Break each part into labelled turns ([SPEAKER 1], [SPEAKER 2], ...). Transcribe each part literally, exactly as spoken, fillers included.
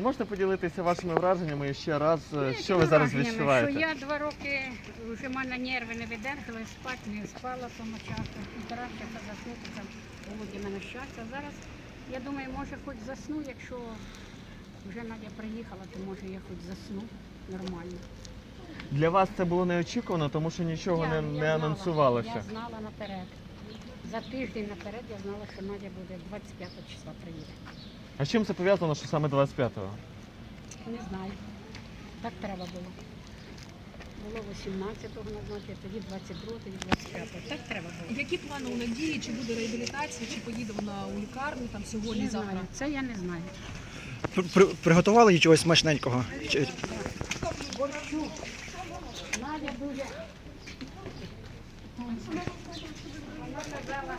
[SPEAKER 1] Ви можете поділитися вашими враженнями ще раз,
[SPEAKER 2] Ну,
[SPEAKER 1] що ви зараз
[SPEAKER 2] враженнями,
[SPEAKER 1] відчуваєте?
[SPEAKER 2] Що я два роки вже в мене нерви не видержали, спати не спала тому часу. І старався заснути, там голоді мене щастя. Зараз я думаю, може хоч засну, якщо вже Надя приїхала, то може я хоч засну нормально.
[SPEAKER 1] Для вас це було неочікувано, тому що нічого
[SPEAKER 2] Я-
[SPEAKER 1] не,
[SPEAKER 2] я
[SPEAKER 1] не
[SPEAKER 2] знала,
[SPEAKER 1] анонсувалося.
[SPEAKER 2] Я знала наперед. За тиждень наперед я знала, що Надя буде двадцять п'ятого числа приїде.
[SPEAKER 1] А з чим це пов'язано, що саме двадцять п'ятого?
[SPEAKER 2] Не знаю. Так треба було. Було вісімнадцятого назначити, тоді двадцять другого, тоді двадцять п'ятого. Так треба було.
[SPEAKER 3] Які плани у Надії? Чи буде реабілітація, чи поїде вона у лікарню там сьогодні,
[SPEAKER 2] Не
[SPEAKER 3] завтра?
[SPEAKER 2] знаю. Це я не знаю.
[SPEAKER 4] При- Приготували їй чогось смачненького? Чи-
[SPEAKER 2] Борчук. Надя дуже. Вона казала,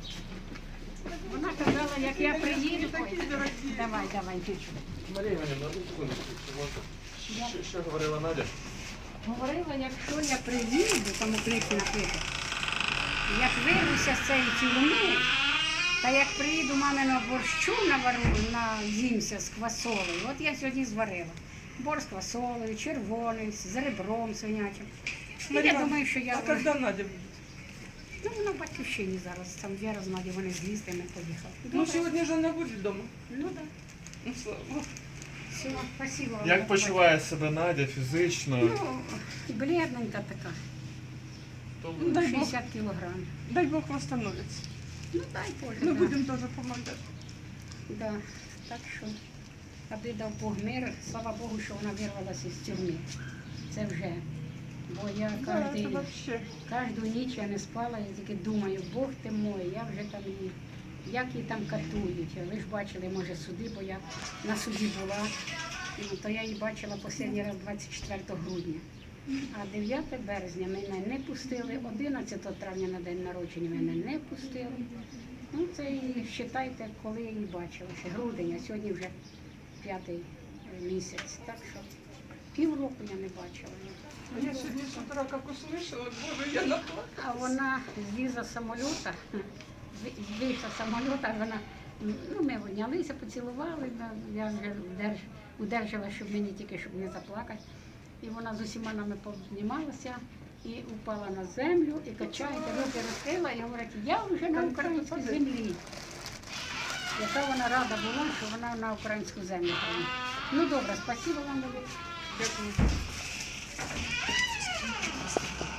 [SPEAKER 2] вона казала, як я приїду. Ой, давай, давай, дівчинку.
[SPEAKER 1] Марія Іванівна, одну секундочку, що, що говорила Надя?
[SPEAKER 2] Говорила, якщо я приїду, там у книжці написано, як вирвуся з цієї тюрми, та як приїду маминого борщу навару, наїмся з квасолею, от я сьогодні зварила. Борщ з квасолею, червоний, з ребром свинячим. І я думаю, що я...
[SPEAKER 5] А когда Надя будет?
[SPEAKER 2] Ну, вона в батьківщині зараз, там Віра з Надю, вони з лістами поїхали.
[SPEAKER 5] Ну, сегодня же она будет дома.
[SPEAKER 2] Ну, так.
[SPEAKER 5] Ну, слава Богу.
[SPEAKER 2] Все, спасибо вам.
[SPEAKER 1] Як почуває себе Надя фізично?
[SPEAKER 2] Ну, бледненька така,
[SPEAKER 1] То-
[SPEAKER 5] Ну, дай Бог,
[SPEAKER 2] шістдесят кілограм.
[SPEAKER 5] дай Бог восстановится.
[SPEAKER 2] Ну, дай Боже,
[SPEAKER 5] Мы
[SPEAKER 2] да.
[SPEAKER 5] будем тоже помогать.
[SPEAKER 2] Да, так що, аби дав Бог мир, слава Богу, що вона вирвалася з тюрми. Це вже. Бо я
[SPEAKER 5] Да, это
[SPEAKER 2] кожен,
[SPEAKER 5] вообще.
[SPEAKER 2] кожну ніч я не спала, я тільки думаю, Бог ти мой, я вже там її, як її там катують. Ви ж бачили, може, суди, бо я на суді була. Ну, то я її бачила останній раз двадцять четвертого грудня. А дев'ятого березня мене не пустили, одинадцятого травня на день народження мене не пустили. Ну, це і вважайте, коли я її бачила. Ще грудень, а сьогодні вже п'ятий місяць. Так що півроку я не бачила.
[SPEAKER 5] А я сегодня с утра как услышала, боже, я наплакалась.
[SPEAKER 2] А вона злізла з самоліта, з- вийшла з самоліта, вона, ну, ми обнялися, поцілували, да, я вже удерж, удержала, щоб мені тільки, щоб не заплакати. І вона з усіма нами познімалася і упала на землю, і качається, руки розкрила, і говорить, я вже на українській землі. Яка вона рада була, що вона на українську землю приїхала. Ну добре, спасибо вам велике.
[SPEAKER 5] Дякую.